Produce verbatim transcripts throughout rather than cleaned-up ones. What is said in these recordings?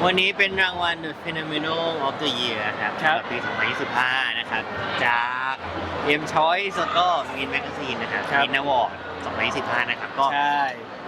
วันนี้เป็นรางวัล The Phenomenal of the Year ครับสำหรับปี สองพันยี่สิบห้า นะครับ จาก M Choice แล้วก็ Min Magazine นะครับ Min Award สองพันยี่สิบห้า นะครับก็ใช่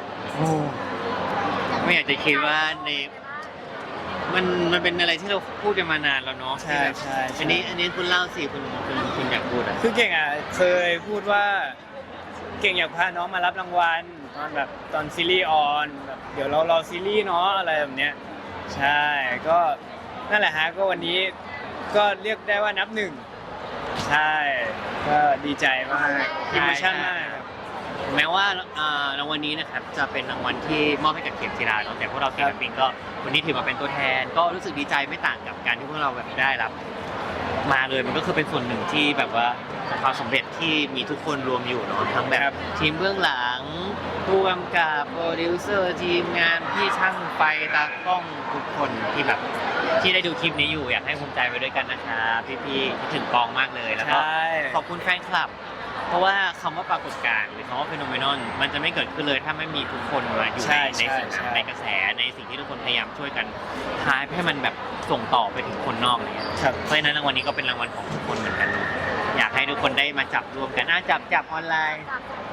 ไม่อยากจะคิดว่าในมันมันเป็นอะไรที่เราพูดกันมานานแล้วเนาะใช่ใช่อันนี้อันนี้คุณเล่าสิคุณคุณคุณอยากพูดอ่ะคือเก่งอ่ะเคยพูดว่าเก่งอยากพาน้องมารับรางวัลตอนแบบตอนซีรีส์ออนแบบเดี๋ยวเรารอซีรีส์เนาะอะไรแบบเนี้ยใช่ก็นั่นแหละฮะก็วันนี้ก็เรียกได้ว่านับหนึ่งใช่ก็ดีใจมากอิมชั่นมากครับแม้ว่ารางวัลนี้นะครับจะเป็นรางวัลที่มอบให้กับเข็มจีราเนาะแต่พวกเราศิลปินก็วันนี้ถือมาเป็นตัวแทนก็รู้สึกดีใจไม่ต่างกับการที่พวกเราแบบได้รับมาเลยมันก็คือเป็นส่วนหนึ่งที่แบบว่าความสำเร็จที่มีทุกคนรวมอยู่เนาะทั้งแบบทีมเบื้องหลังผู้กำกับโปรดิวเซอร์ทีมงานพี่ช่างไฟตากล้องทุกคนที่แบบที่ได้ดูคลิปนี้อยู่อยากให้ภูมิใจไปด้วยกันนะครับพี่ๆคิดถึงกองมากเลยแล้วก็ขอบคุณแฟนคลับเพราะว่าคำว่าปรากฏการณ์หรือคำว่าฟีโนเมนอนมันจะไม่เกิดขึ้นเลยถ้าไม่มีทุกคนมาอยู่ในในสิ่งนั้นในกระแสในสิ่งที่ทุกคนพยายามช่วยกันทายให้มันแบบส่งต่อไปถึงคนนอกอะไรเงี้ยเพราะฉะนั้นรางวัลนี้ก็เป็นรางวัลของทุกคนเหมือนกันอยากให้ทุกคนได้มาจับรวมกันน่าจับจับออนไลน์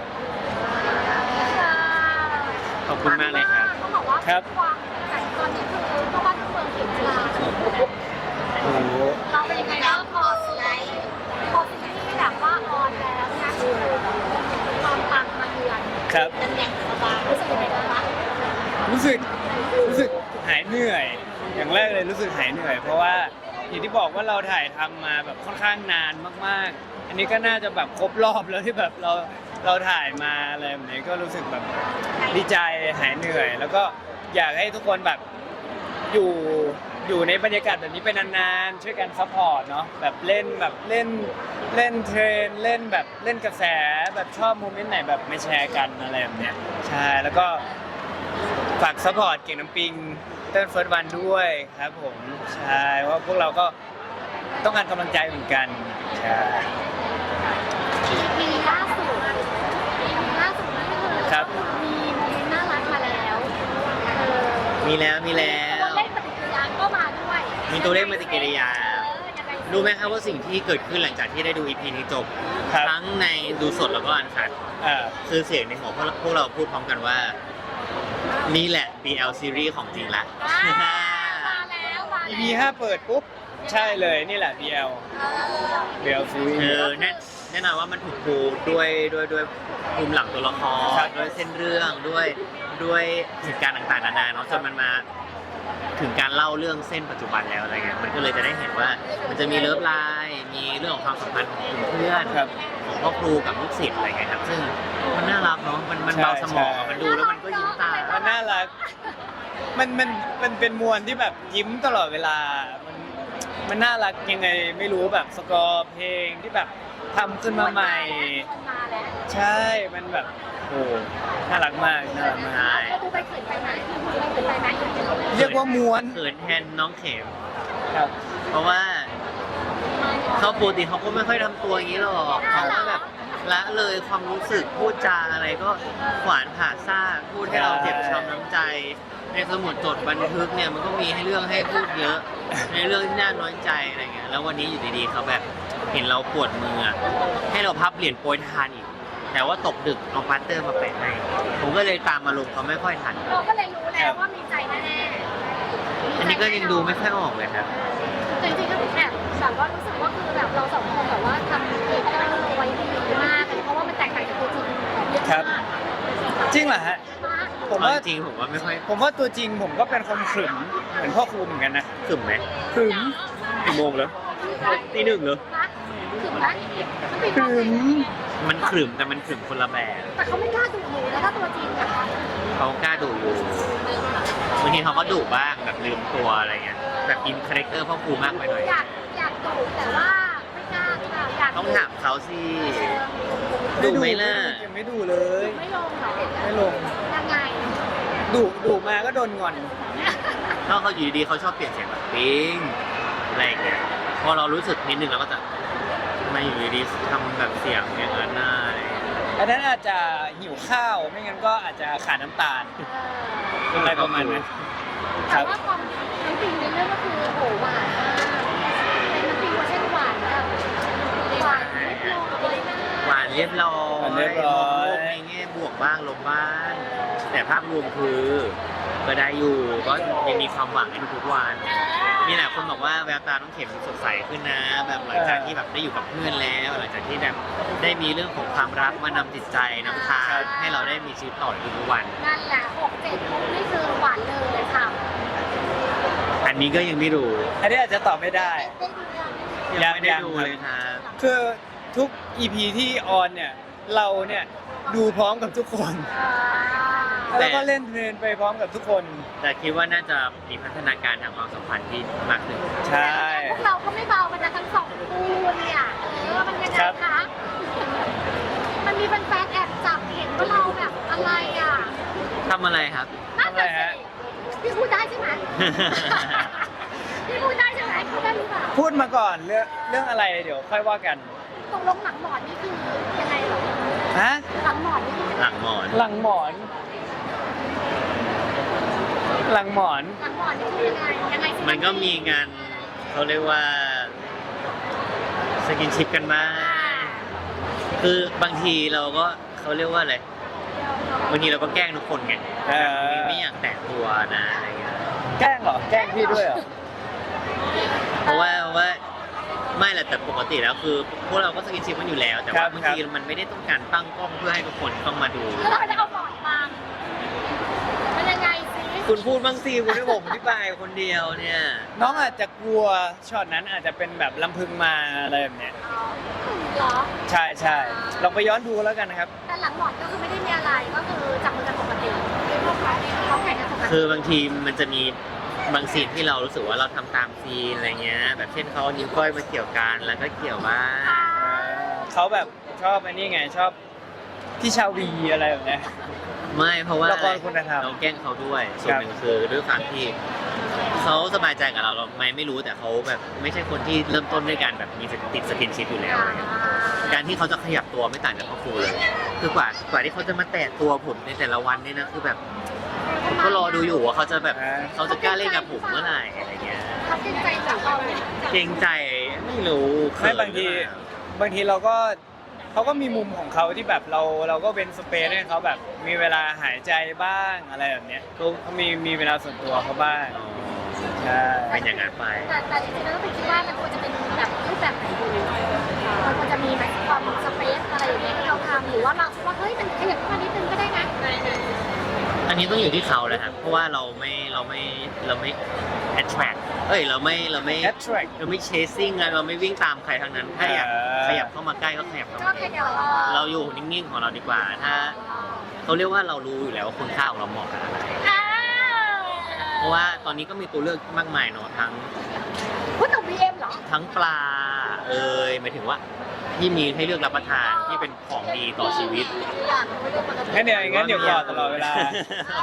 ขอบคุณมากเลยครับเขาบอกว่าความแต่ตอนนี้คือเพราะว่าทุกเมืองเขียนกีฬาโอ้โหเราเป็นยังไงบ้างพอซีรีส์พอซีรีส์แบบว่าออนแล้วนะคือความปังมาเยือนครับเป็นอย่างสบายรู้สึกยังไงบ้างรู้สึกรู้สึกหายเหนื่อยอย่างแรกเลยรู้สึกหายเหนื่อยเพราะว่าอย่างที่บอกว่าเราถ่ายทำมาแบบค่อนข้างนานมากๆอันนี้ก็น่าจะแบบครบรอบแล้วที่แบบเราเราถ่ายมาอะไรแบบนี้ก็รู้สึกแบบดีใจหายเหนื่อยแล้วก็อยากให้ทุกคนแบบอยู่อยู่ในบรรยากาศแบบนี้ไปนานๆช่วยกันซัพพอร์ตเนาะแบบเล่นแบบเล่นเล่นเทรนเล่นแบบเล่นกระแสแบบชอบโมเมนต์ไหนแบบไม่แชร์กันอะไรแบบเนี้ยใช่แล้วก็ฝากซัพพอร์ตเก่งน้ำปิงเต้นเฟิร์สวันด้วยครับผมใช่ว่าพวกเราก็ต้องการกำลังใจเหมือนกันใช่มีล่าสุดมีล่าสุดนั่นคือครับมีโมเมนต์น่ารักมาแล้วมีแล้วมีแล้วตัวเลขปฏิกิริยาก็มาด้วยมีตัวเลขปฏิกิริยารู้ไหมครับว่าสิ่งที่เกิดขึ้นหลังจากที่ได้ดู อี พี นี้จบทั้งในดูสดแล้วก็อันคัดคือเสียงในหัวพวกเราพูดพร้อมกันว่านี่แหละ บี แอล Series ของจริงละมาแล้วมาอี พี ห้าเปิดปุ๊บใช่เลยนี่แหละ บี แอล บี แอล Series เออแน่แน่นอนว่ามันถูกปูด้วยด้วยด้วยภูมิหลังตัวละครด้วยเส้นเรื่องด้วยด้วยเหตุการณ์ต่างๆนานาเนาะจนมันมาถึงการเล่าเรื่องเส้นปัจจุบันแล้วอะไรเงี้ยมันก็เลยจะได้เห็นว่ามันจะมีเลิฟไลน์มีเรื่องของความสัมพันธ์ของกลุ่มเพื่อนของพ่อครูกับลูกศิษย์อะไรเงี้ยครับซึ่งมันน่ารักเนาะมันมันเบาสมองมันดูแล้วมันก็ยิ้มตามันน่ารักมันมันมันเป็นมวลที่แบบยิ้มตลอดเวลามันมันน่ารักยังไงไม่รู้แบบสกอร์เพลงที่แบบทำขึ้นมาใหม่ใช่มันแบบโอ้น่ารักมากน่ารักมากดูไปเขินไปไหมเขินไปไหมเรียกว่าม้วนเขินแทนน้องเข็มครับเพราะว่าเขาปกติเขาก็ไม่ค่อยทำตัวอย่างนี้หรอกเขาก็แบบละเลยความรู้สึกพูดจาอะไรก็ขวานผ่าซ่าพูดให้เราเจ็บช้ำน้ำใจในสมุดจดบันทึกเนี่ยมันก็มีให้เรื่องให้พูดเยอะในเรื่องที่น่าน้อยใจอะไรเงี้ยแล้ววันนี้อยู่ดีๆเขาแบบเห็นเราปวดมือให้เราพับเหรียญโปรยทานอีกแต่ว่าตกดึกเอาพาสเตอร์มาแปะให้ผมก็เลยตามมาลงเขาไม่ค่อยทันเราก็เลยรู้แล้วว่ามีใจแน่ๆอันนี้ก็ยังดูไม่ค่อยออกเลยครับจริงๆก็แอบแบบว่ารู้สึกว่าคือแบบเราสองคนแบบว่าทำเอเจอร์ไว้ดีมากเลยเพราะว่ามันแตกต่างจากตัวจริงเยอะมากจริงเหรอฮะผมว่าจริงผมว่าไม่ค่อยผมว่าตัวจริงผมก็เป็นคนขรึมเหมือนพ่อครูเหมือนกันนะขรึมไหมขรึมกี่โมงแล้วตีหนึ่งเหรอขรึมไหมขรึมมันขรึมแต่มันขรึมคนละแบบแต่เขาไม่กล้าดุหนูแล้วถ้าตัวจริงอะเขากล้าดุอยู่บางทีเขาก็ดุบ้างแบบลืมตัวอะไรเงี้ยแบบอินคาแรคเตอร์พ่อครูมากไปหน่อยอยากอยากดุแต่ว่าไม่กล้าค่ะอยากต้องถามเขาสิดุไหมล่ะยังไม่ดุเลยไม่ลงหรอไม่ลงยังไงดุดุมาก็โดนงอนถ้าเขาอยู่ดีๆเขาชอบเปลี่ยนเสียงแบบปิ๊งอะไรเงี้ยพอเรารู้สึกนิดนึงเราก็จะไม่อยู่ดีๆทำแบบเสียงอย่างนั้นได้อันนั้นอาจจะหิวข้าวไม่งั้นก็อาจจะขาดน้ำตาลอะไรประมาณนั้นแต่ว่าความน้ำภาพรวมคือก็ได้อยู่ก็ยังมีความหวังในทุกๆวันมีหลายคนบอกว่าแววตาน้องเข็มสดใสขึ้นนะ แบบหลังจากที่แบบได้อยู่กับเพื่อนแล้วหลังจากที่แบบได้มีเรื่องของความรักมานำจิตใจนำทางให้เราได้มีชีวิตต่อในทุกๆวันนั่นแหละหกเจ็ดมุกนี่คือหวานเลยค่ะอันนี้ก็ยังไม่รู้อันนี้อาจจะตอบไม่ได้ได้ดูยังยังไม่ได้ยังดูเลยครับคือทุก อี พี ที่ออนเนี่ยเราเนี่ยดูพร้อมกับทุกคนอ่าแล้วก็เล่นเพลงไปพร้อมกับทุกคนแต่คิดว่าน่าจะมีพัฒนาการทางความสัมพันธ์ที่มากขึ้นใช่พวกเราก็ไม่เบากันนะทั้งสองคู่เนี่ยเออมันยังไงครับคะมันมีแฟนๆแอบจับเห็นว่าเราแบบอะไรอ่ะทำอะไรครับน่าจะสิพี่พูดได้ใช่ไหมพี่พูดได้ใช่ไหมพูดได้หรือเปล่าพูดมาก่อนเรื่องเรื่องอะไรเดี๋ยวค่อยว่ากันตกลงหลังหมอนนี่คือยังไงเหรอฮะหลังหมอนนี่คือยังไงหลังหมอนหลังหมอน หลังหมอนหลังหมอนนี่คือยังไงยังไงสิมันก็มีงานเขาเรียกว่าสกินชิปกันบ้างคือบางทีเราก็เขาเรียกว่าอะไรบางทีเราก็แกล้งทุกคนไงเออไม่อยากแตะตัวนะอะไรเงี้ยแกล้งเหรอ แกล้งพี่ด้วยเหรอเพราะว่าเพราะว่าไม่แหละแต่ปกติแล้วคือพวกเราก็สกินชิปกันอยู่แล้ว แต่ครัว่าบบางครับทีมันไม่ได้ต้องการตั้งกล้องเพื่อให้ทุกคนต้องมาดูแล้วเราจะเอาหมอนบังมันยังไงสิคุณพูดบ้างสิคุณให้ผมอธิบายคนเดียวเนี่ยน้องอาจจะกลัวช็อตนั้นอาจจะเป็นแบบลำพึงมาอะไรแบบเนี้ยอ๋อเหรอใช่ใช่ลองไปย้อนดูแล้วกันนะครับแต่หลังหมอนก็คือไม่ได้มีอะไรก็คือจับมือกันปกติเขาแข่งกันปกติคือบางทีมันจะมีบางซีนที่เรารู้สึกว่าเราทำตามซีนอะไรเงี้ย แบบเช่นเขาเอานิ้วก้อยมาเกี่ยวกันแล้วก็เกี่ยวบ้างเขาแบบชอบอันนี้ไงชอบพี่ชาวีอะไรแบบเนี้ยไม่เพราะว่าละครคุณธรรมเราแกล้งเขาด้วยส่วนครับหนึ่งคือด้วยความที่เขาสบายใจกับเราเราไม่ไม่รู้แต่เขาแบบไม่ใช่คนที่เริ่มต้นด้วยการแบบมีติดสกินชิปอยู่แล้วอะไรเงี้ยการที่เขาจะขยับตัวไม่ต่างจากพ่อครูเลย คือกว่ากว่าที่เขาจะมาแตะตัวผมในแต่ละวันเนี่ยนะคือแบบผมก็รอดูอยู่ว่าเขาจะแบบเขาจะกล้าเล่นกับผมเมื่อไหร่อะไรเงี้ยเขาเกรงใจจากเราเนี่ยเกรงใจไม่รู้ไม่บางทีบางทีเราก็เขาก็มีมุมของเขาที่แบบเราเราก็เป็นสเปซให้เขาแบบมีเวลาหายใจบ้างอะไรแบบเนี้ยเขามีมีเวลาส่วนตัวเขาบ้างใช่เป็นอย่างนั้นไปแต่แต่จริงๆแล้วก็เป็นคิดว่ามันควรจะเป็นแบบรูปแบบไหนดีมันควรจะมีแบบความสเปซอะไรอย่างเงี้ยที่เราทำหรือว่าเราคิดว่าเฮ้ยมันขยับขึ้นมานิดนึงก็ได้นะอันนี้ต้องอยู่ที่เขาแหละครับ เพราะว่าเราไม่เราไม่เราไม่ attract เอ้ยเราไม่เราไม่ attract เราไม่ chasing ไงเราไม่วิ่งตามใครทั้งนั้น ถ้าอยากเออขยับเข้ามาใกล้ก็ขยับเข้าก็มาแค่เดี๋ยวเราอยู่นิ่งๆของเราดีกว่า ถ้าเขาเรียกว่าเรารู้อยู่แล้วว่าคุณค่าของเราเหมาะกับอะไรอ้าวเพราะว่าตอนนี้ก็มีตัวเลือกมากมายเนาะทั้งพูดถึง บี เอ็ม เหรอทั้งปลาเอ่ยหมายถึงว่าที่มีให้เลือกรับประทานที่เป็นของดีต่อชีวิตอยากรู้เรื่องปกติงั้นเดี๋ยวงั้นเดี๋ยวกอดตลอดเวลายังไง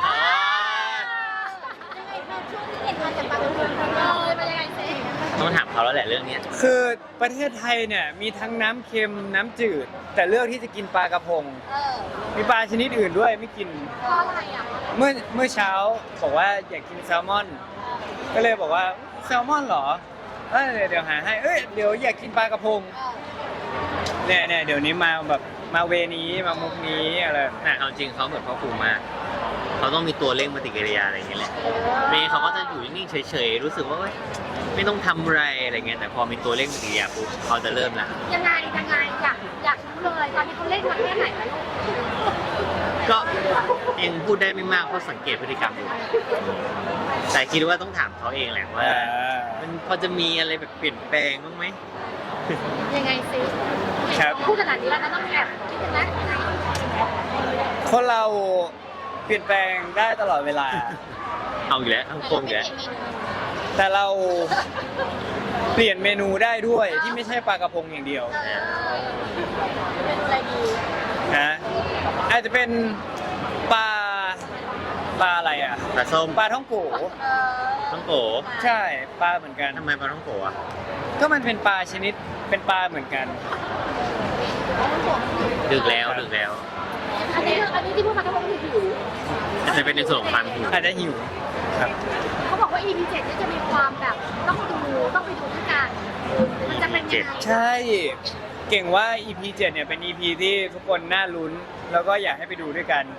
มาช่วงนี้เห็นมาจากบางเมืองเลยมายังไงสิต้องถามเขาแล้วแหละเรื่องเนี้ยคือประเทศไทยเนี่ยมีทั้งน้ำเค็มน้ำจืด แต่เลือกที่จะกินปลากระพงเออมีปลาชนิดอื่นด้วยไม่กินเพราะอะไรอ่ะเมื่อเมื่อเช้าบอกว่าอยากกินแซลมอน ก็เลยบอกว่าแซลมอนเหรอเอ้ยเดี๋ยวหาให้เอ้ยเดี๋ยวอยากกินปลากระพงเออเนี่ยเนี่ยเดี๋ยวนี้มาแบบมาเวนี้มามุกนี้อะไรแต่เอาจริงเขาเหมือนพ่อครูมาก เขาต้องมีตัวเร่งปฏิกิริยาอะไรอย่างเงี้ยแหละเมย์เขาก็จะอยู่นิ่งๆเฉยๆ รู้สึกว่าเอ้ยไม่ต้องทำอะไรอะไรเงี้ย แต่พอมีตัวเร่งปฏิกิริยาปุ๊บเขาจะเริ่มละยังไงยังไงอยากอยากรู้เลยตอนนี้เขาเล่นมาแค่ไหนแล้วลูกก็ยังพูดได้ไม่มากเพราะสังเกตพฤติกรรมอยู่ แต่คิดว่าต้องถามเขาเองแหละว่าอ่ามันพอจะมีอะไรแบบเปลี่ยนแปลงบ้างไหมยังไงสิครับพูดขนาดนี้แล้วนะต้องแอบคิดถึงนะคนเราเปลี่ยนแปลงได้ตลอดเวลาเอาอีกแล้วเอาโกงอีกแล้วแต่เราเปลี่ยนเมนูได้ด้วยที่ไม่ใช่ปลากระพงอย่างเดียวเออเป็นอะไรดีนะอาจจะเป็นปลาปลาอะไรอ่ะปลาส้มปลาท่องโกเออต้องโกใช่ปลาเหมือนกันทำไมปลาต้องโกอ่ะก็มันเป็นปลาชนิดเป็นปลาเหมือนกันดึกแล้วดึกแล้วอันนี้อันนี้ที่พูดมาทั้งหมดคือหิวอาจจะเป็นในส่วนของความหิวอาจจะหิวครับเขาบอกว่า อี พี เจ็ดนี่จะมีความแบบต้องดูต้องไปดูด้วยกันมันจะเป็นยังไงใช่ เก่งว่า อี พี เจ็ดเนี่ยเป็น อี พี ที่ทุกคนน่าลุ้น แล้วก็อยากให้ไปดูด้วยกัน ไ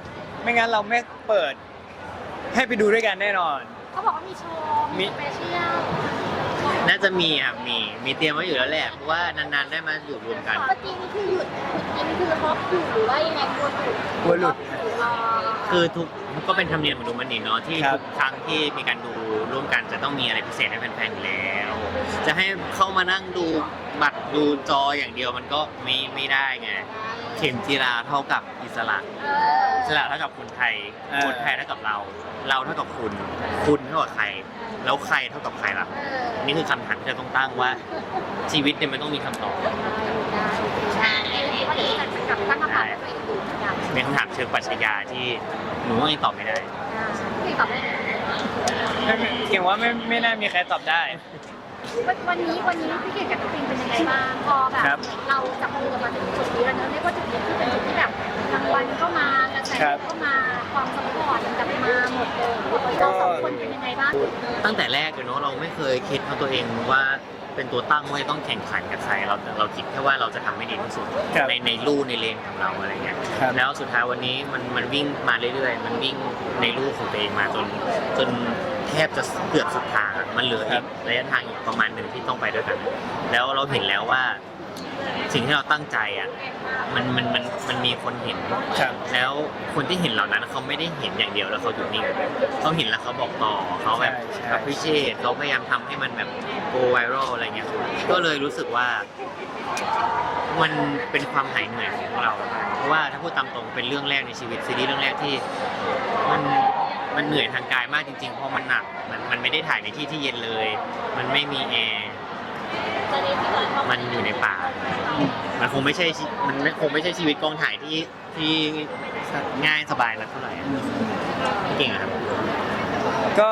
ไม่งั้นเราไม่เปิดให้ไปดูด้วยกันแน่นอนเขาบอกว่ามีโชว์มีสเปเชียลน่าจะมีอ่ะมีมีเตรียมไว้อยู่แล้วแหละเพราะว่านานๆได้มาอยู่รวมกันเมื่อกี้นี่คือหยุดหยุดกินคือฮอปอยู่หรือว่ายังไงกลัวหลุดกลัวหลุดคือทุกก็เป็นธรรมเนียมของดูมันนี่เนาะที่ครับทุกครั้งที่มีการดูร่วมกันจะต้องมีอะไรพิเศษให้แฟนๆอยู่แล้ว จะให้เข้ามานั่งดูบัตรดูจออย่างเดียวมันก็ไม่ไม่ได้ไงเข็มจีราเท่ากับอิสระเอออิสระเท่ากับคนไทยเออคนไทยเท่ากับเรา เราเท่ากับคุณ คุณเท่ากับใคร แล้วใครเท่ากับใครล่ะเออนี่คือคำถามที่เราต้องตั้งว่าชีวิตเนี่ยมันต้องมีคำตอบใช่ว่าเดี๋ยวจะกลับตั้งคำถามให้ตัวเองดูเหมือนกันเป็นคำถามเชิงปรัชญาที่หนูก็ยังตอบไม่ได้พี่ตอบได้ไหมไม่ไม่เก่งว่าไม่ไม่น่ามีใครตอบได้วันนี้วันนี้พี่เก่งกับน้องปิงเป็นยังไงบ้างพอแบบครับเราจับมือกันมาถึงจุดนี้แล้วเนอะเรียกว่าจุดนี้ที่เป็นจุดที่แบบรางวัลก็มากระแสก็มาความสปอร์ตกลับมาหมดเลยเขาบอกว่าเราสองคนเป็นยังไงบ้างตั้งแต่แรกเลยเนาะเราไม่เคยคิดของตัวเองว่าเป็นตัวตั้งว่าจะต้องแข่งขันกับใครเราเราคิดแค่ว่าเราจะทำให้ดีที่สุดครับในในลู่ในเลนของเราอะไรเงี้ยครับแล้วสุดท้ายวันนี้มันมันวิ่งมาเรื่อยๆ มันวิ่งในลู่ของตัวเองมาจนจนแทบจะเกือบสุดทางอะมันเหลืออีกระยะทางอีกประมาณหนึ่งที่ต้องไปด้วยกัน แล้วเราเห็นแล้วว่าสิ่งที่เราตั้งใจอ่ะมันมันมันมันมีคนเห็นครับแล้วคนที่เห็นเหล่านั้นเขาไม่ได้เห็นอย่างเดียวแล้วเขาหยุดนิ่งเขาเห็นแล้วเขาบอกต่อเขาแบบใช่ใช่ appreciate เขาพยายามทำให้มันแบบ go viral อะไรเงี้ยก็เลยรู้สึกว่ามันเป็นความหายเหนื่อยของเรา เพราะว่าถ้าพูดตามตรงเป็นเรื่องแรกในชีวิตซีรีส์เรื่องแรกที่มันมันเหนื่อยทางกายมากจริงๆเพราะมันหนักมันมันไม่ได้ถ่ายในที่ที่เย็นเลย มันไม่มีแอร์มันอยู่ในป่า มันคงไม่ใช่ชีมันไม่คงไม่ใช่ชีวิตกองถ่ายที่ที่ง่ายสบายแล้วเท่าไหร่อะเก่งอะครับก็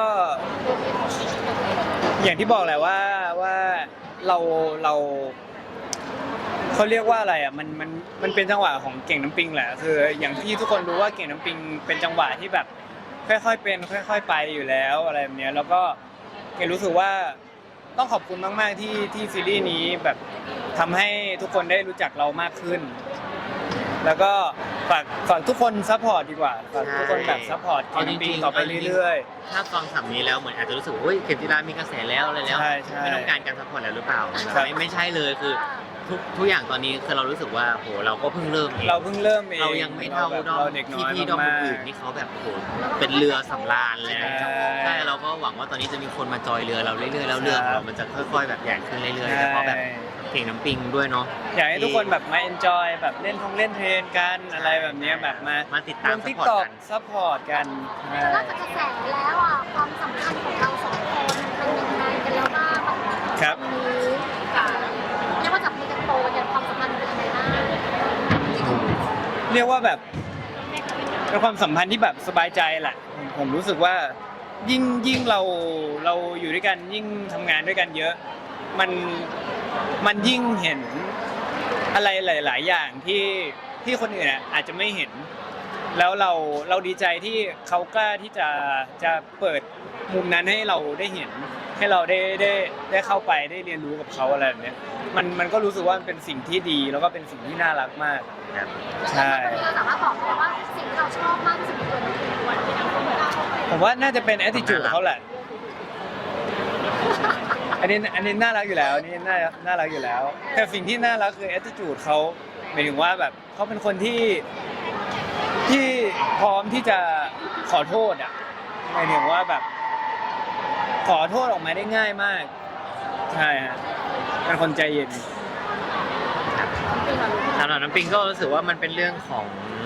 อย่างที่บอกแหละว่าว่าเราเราเขาเรียกว่าอะไรอ่ะมันมันมันเป็นจังหวะของเก่งน้ำปิงแหละคืออย่างที่ทุกคนรู้ว่าเก่งน้ำปิงเป็นจังหวะที่แบบค่อยๆเป็นค่อย ๆ ไปอยู่แล้วอะไรแบบเนี้ยแล้วก็เก่งรู้สึกว่าต้องขอบคุณมากๆที่ที่ซีรีส์นี้แบบทำให้ทุกคนได้รู้จักเรามากขึ้น แล้วก็ฝากฝากทุกคนซัพพอร์ตดีกว่าฝากทุกคนแบบซัพพอร์ตเก่งน้ำปิงต่อไปเรื่อยๆถ้าฟังคำนี้แล้วเหมือนอาจจะรู้สึกว่าเฮ้ยเข็มจีรามีกระแสแล้วอะไรแล้วใช่ใช่ไม่ต้องการการซัพพอร์ตแล้วหรือเปล่าครับไม่ไม่ใช่เลยคือทุกทุกอย่างตอนนี้คือเรารู้สึกว่าโหเราก็เพิ่งเริ่มเองเราเพิ่งเริ่มเองเรายังไม่เท่าแบบดอมเราเด็กน้พี่อยพี่ดอมมากอื่นๆนี่เขาแบบโหเป็นเรือสำราญเลยใช่ใช่เราก็หวังว่าตอนนี้จะมีคนมาจอยเรือเราเรื่อยๆแล้วเรือของเรามันจะค่อยๆแบบใหญ่ขึ้นเรื่อยๆแล้วก็แบบเก่งน้ำปิงด้วยเนาะอยากให้ทุกคนแบบมาเอนจอยแบบเล่นท่องเล่นเทรนกันอะไรแบบเนี้ยแบบมามาติดตามติ๊ก support ต็อกกันซัพพอร์ตกันนอกจากกระแสแล้วอ่ะความสัมพันธ์ของเราสองคนเป็นยังไงกันแล้วบ้างครับนี้เรียกว่าจับมือกันโตเนี่ยความสัมพันธ์เป็นยังไงบ้างเรียกว่าแบบเป็นความสัมพันธ์ที่แบบสบายใจแหละผมผมรู้สึกว่ายิ่งยิ่งเราเราอยู่ด้วยกันยิ่งทำงานด้วยกันเยอะ มันมันยิ่งเห็นอะไรหลาย ๆ อย่างที่ที่คนอื่นอ่ะอาจจะไม่เห็น แล้วเราเราดีใจที่เขากล้าที่จะจะเปิดมุมนั้นให้เราได้เห็น ให้เราได้ได้ได้เข้าไปได้เรียนรู้กับเขาอะไรแบบเนี้ยมันมันก็รู้สึกว่ามันเป็นสิ่งที่ดีแล้วก็เป็นสิ่งที่น่ารักมากครับใช่ตอนนี้เราสามารถบอกได้ว่าสิ่งที่เราชอบมากที่สุดในตัวน้องปิงวันที่เราเปิดผมว่าน่าจะเป็น attitude เขาแหละ อันนี้อันนี้น่ารักอยู่แล้วอันนี่น่าน่ารักอยู่แล้วแต่สิ่งที่น่ารักคือ attitude เขาหมายถึงว่าแบบเขาเป็นคนที่ที่พร้อมที่จะขอโทษอ่ะหมายถึงว่าแบบ ขอโทษออกมาได้ง่ายมาก ใช่ฮะเป็นคนใจเย็นสำหรับน้ำปิงก็รู้สึกว่ามันเป็นเรื่องของ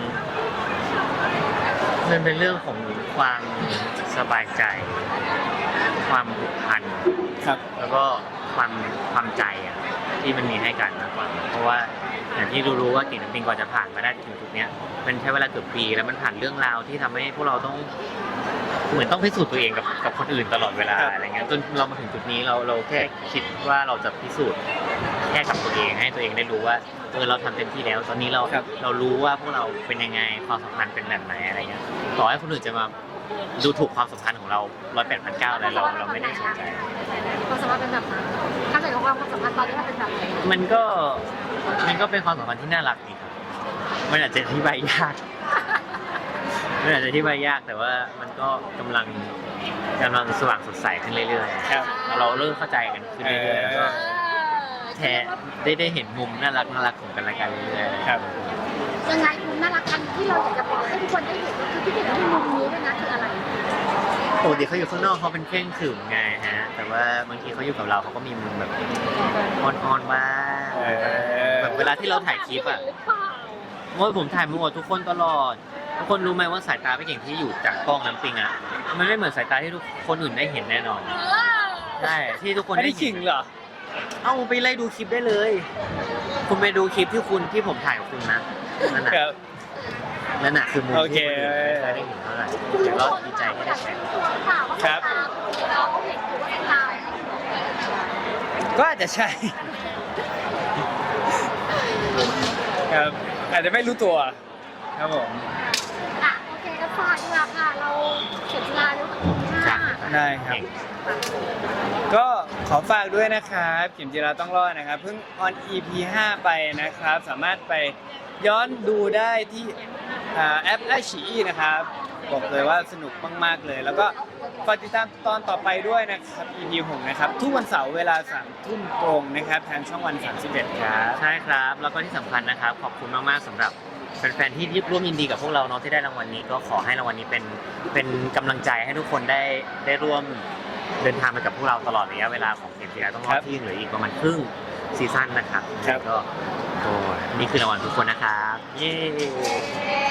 มันเป็นเรื่องของความสบายใจ ความผูกพันครับแล้วก็ความความใจอ่ะที่มันมีให้กันมากกว่าเพราะว่าอย่างที่รู้ๆว่าเก่งน้ำปิงกว่าจะผ่านมาได้ถึงจุดเนี้ยมันใช้เวลาเกือบปีแล้วมันผ่านเรื่องราวที่ทำให้พวกเราต้องเหมือนต้องพิสูจน์ตัวเองกับกับคนอื่นตลอดเวลาครับอะไรเงี้ยจนเรามาถึงจุดนี้เราเราแค่คิดว่าเราจะพิสูจน์แค่กับตัวเองให้ตัวเองได้รู้ว่าเออเราทำเต็มที่แล้ว ตอนนี้เราครับเรารู้ว่าพวกเราเป็นยังไงความสัมพันธ์เป็นแบบไหนอะไรเงี้ยต่อให้คนอื่นจะมาดูถูกความสัมพันธ์ของเราร้อยแปดพันเก้าอะไรเราเราไม่ได้สนใจความสัมพันธ์เป็นแบบนั้นถ้าเกิดว่าความสัมพันธ์ตอนนี้มันเป็นแบบไหนมันก็มันก็เป็นความสัมพันธ์ที่น่ารักดีครับ มันอาจจะอธิบายยากมันอาจจะที่บายยากแต่ว่ามันก็กำลังกำลังสว่างสดใสขึ้นเรื่อยครับๆเราเริ่มเข้าใจกันขึ้นเรื่อยๆแล้วก็แทนได้ได้เห็นมุมน่ารักน่ารักของกันและกันเรื่อยๆครับยังไงมุมน่ารักกันที่เราอยากจะบอกให้ทุกคนได้เห็นคือพี่เด็กที่มุมนี้ด้วยนะคืออะไรปกติเขาอยู่ข้างนอกเขาเป็นเคร่งขรึมไงฮะ แต่ว่าบางทีเขาอยู่กับเราเขาก็มีมุมแบบอ่อนๆบ้างเออแบบเวลาที่เราถ่ายคลิปอ่ะหรือเปล่าเมื่อผมถ่ายมาหมดทุกคนตลอดทุกคนรู้ไหมว่าสายตาพี่เก่งที่อยู่จากกล้องน้ำปิงอ่ะมันไม่เหมือนสายตาที่ทุกคนอื่นได้เห็นแน่นอนเออใช่ที่ทุกคนอันได้นี้เห็ขินงเหรอเอ้าไปไล่ดูคลิปได้เลย คุณไปดูคลิปที่คุณที่ผมถ่ายกับคุณนะนั่นน่ะครับนั่นน่ะคือมุมโอเคที่คนอื่นไม่เคยได้เห็นเท่าไหร่แต่ก็ดีใจที่ได้แชร์ตัวหรือเปล่าว่าครับตาเราเห็นอยู่ว่าตาก็อาจจะใช่ ครับอาจจะไม่รู้ตัวครับผมอ่ะโอเคก็ฝากดีกว่าค่ะเราเขียนลาแล้วที่ห้าได้ครับ ก็ขอฝากด้วยนะครับเข็มจีราต้องรอดนะครับ เพิ่งออน อี พี ห้าไปนะครับ สามารถไปย้อนดูได้ที่อ่าแอปไอชีนะครับ บอกเลยว่าสนุกมากๆเลย แล้วก็ฝากติดตามตอนต่อไปด้วยนะครับ อี พี หกนะครับ ทุกวันเสาร์เวลาสามทุ่มตรงนะครับ ทางช่องวันสามสิบเอ็ดครับใช่ครับ แล้วก็ที่สำคัญนะครับ ขอบคุณมาก ๆสำหรับแฟน ๆ ที่ร่วมยินดีกับพวกเราเนาะที่ได้รางวัลนี้ก็ขอให้รางวัลนี้เป็นเป็นกำลังใจให้ทุกคนได้ได้ร่วมเดินทางไปกับพวกเราตลอดระยะเวลาของเกมจีราต้องรอครัดบที่ยังเหลืออีกประมาณครึ่งซีซั่นนะครับครับก็โอ้นี่คือรางวัลทุกคนนะครับ เย้